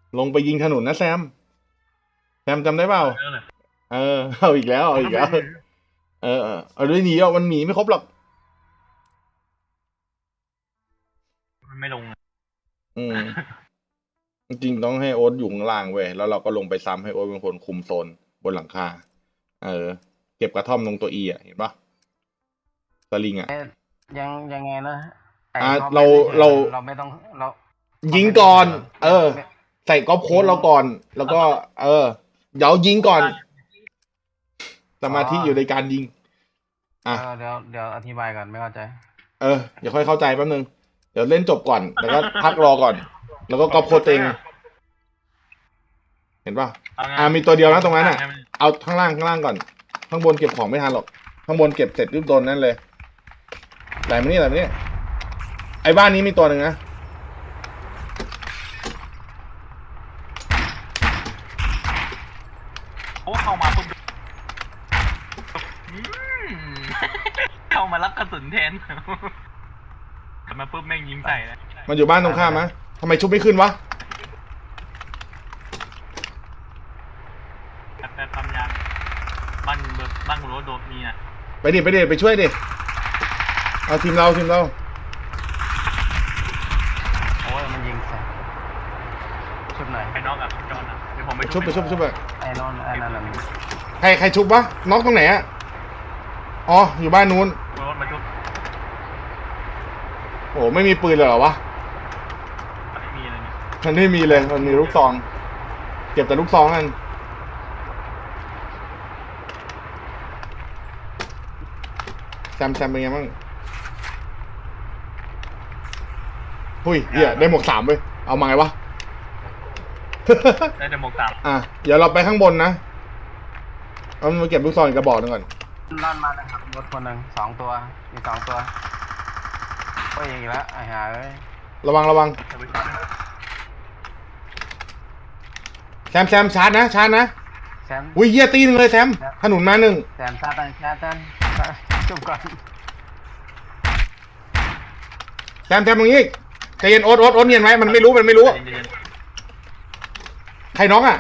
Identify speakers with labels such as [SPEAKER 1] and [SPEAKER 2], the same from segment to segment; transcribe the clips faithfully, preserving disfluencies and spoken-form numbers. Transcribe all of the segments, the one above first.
[SPEAKER 1] ลงไปยิงถนนนะแซมแซมจำได้เปล่าเออเอาอีกแล้วเอาอีกแล้วเออเออเอาด้วยหนีอ่ะมันหนีไม่ครบหรอก
[SPEAKER 2] มันไม่ลง
[SPEAKER 1] อืมจริงๆต้องให้โอ๊ตอยู่ข้างล่างเว้ยแล้วเราก็ลงไปซ้ำให้โอ๊ตเป็นคนคุมโซนบนหลังคาเออเก็บกระท่อมตรงตัวอีอ่ะเห็นปะสลิงอ่ะ
[SPEAKER 3] ยังยังไงนะ
[SPEAKER 1] อ่าเราเรา
[SPEAKER 3] เราไม่ต้องเรา
[SPEAKER 1] ยิงก่อน เออ ใส่ก๊อปโค้ดเราก่อน แล้วก็ เออเดี๋ยวยิงก่อนสมาธิอยู่ในการยิงอ่ะ
[SPEAKER 3] เดี๋ยวเดี๋ยวอธิบายก่อนไม่เข้าใจ
[SPEAKER 1] เออเดี๋ยวค่อยเข้าใจแป๊บนึงเดี๋ยวเล่นจบก่อนแล้วก็พักรอก่อน แล้วก็ก๊อปโค้ดเองเห็นป่ะอ่ามีตัวเดียวนะตรงนั้นอ่ะเอาข้างล่างข้างล่างก่อนข้างบนเก็บของไม่ทันหรอกข้างบนเก็บเสร็จรีบโดนนั่นเลยไหลมานี่ไหลมานี่ไอ้บ้านนี้มีตัวหนึ่งนะ
[SPEAKER 2] โอ้เข้ามาปุ๊บเข้ามารับกระสุนแทนแต่มาปุ๊บแม่งยิงใส่เลย
[SPEAKER 1] มันอยู่บ้านตรงข้ามมะทำไมชุบไม่ขึ้นวะ
[SPEAKER 2] แต่ทำยางบ้านเบิร์บ้านกูรู้โดดมีอ่ะ
[SPEAKER 1] ไปดิไปดิไปช่วยดิเอาทีมเราทีมเรา
[SPEAKER 3] โอ้ยมันยิงใส่ชุบไหน
[SPEAKER 2] ไอ้น้องกับจอนอ่ะเดี๋ยวผมไป
[SPEAKER 1] ชุบไปชุบไปชุบไป
[SPEAKER 3] ไอ้นอนไอ้นั่นแหละ
[SPEAKER 1] ใครใครชุบวะน็อกตรงไหนอะอ๋ออยู่บ้านนู้น
[SPEAKER 2] รถมาชุบ
[SPEAKER 1] โอ้ไม่มีปืนเลยเหรอวะ
[SPEAKER 2] ไม่มีเลยเนี่ย
[SPEAKER 1] มันไม่มีเลยมันมีลูกซองเก็บแต่ลูกซองกันแซมแซมเป็นไงบ้างหุ้ยเหี้ยได้หมวกสามเว้ยเอามาไงวะ
[SPEAKER 2] ได้แต่หมวกสาม
[SPEAKER 1] อ่ะเดี๋ยวเราไปข้างบนนะเอามาเก็บลูกซองอีกกระบอกหนึ่งก่อน
[SPEAKER 3] นั่นมานะครับรถคนหนึ่งสองตัวมีสองตัวก็ยิงอีกแล้วไอ้ห่าเอ้ย
[SPEAKER 1] ระวังระวังแซมแซมชาร์จนะชาร์จนะ
[SPEAKER 3] แซม
[SPEAKER 1] อุ้ยเหี้ยตีหนึ่งเลยแซมถนนมาหนึ่ง
[SPEAKER 3] แซมชาร์จชาร์จจุ่มก่อน
[SPEAKER 1] แซมแซมตรงนี้ใจเย็นโอ๊ตโอ๊ตโอ๊ตเนียนไหมมันไม่รู้มันไม่รู้ใครน้องอ่ะ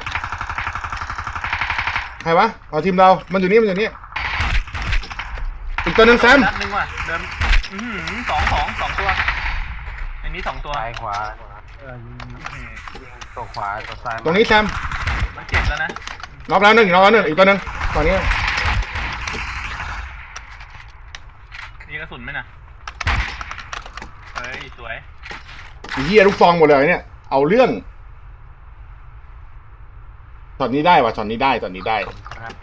[SPEAKER 1] ใครวะเอาทีมเรามันอยู่นี่มันอยู่นี่อีกตัวหนึ่งแซม
[SPEAKER 2] นัดหนึ่งว่ะเดินสองสองสองตัวอันนี้สองตัว
[SPEAKER 3] ซ้ายขวาตัวขวาตัวซ้าย
[SPEAKER 1] ตรงนี้แซม
[SPEAKER 2] มันเจ็บแล้วนะ
[SPEAKER 1] น็อกแล้วหนึ่งน็อกแล้วหนึ่งอีกตัวหนึ่งตอนนี้
[SPEAKER 2] นี่กระสุนไหมนะเฮ้ยสวย
[SPEAKER 1] เฮียลูกซองหมดเลยเนี่ยเอาเรื่องช็อตนี้ได้ว่ะช็อตนี้ได้ช็อตนี้ได้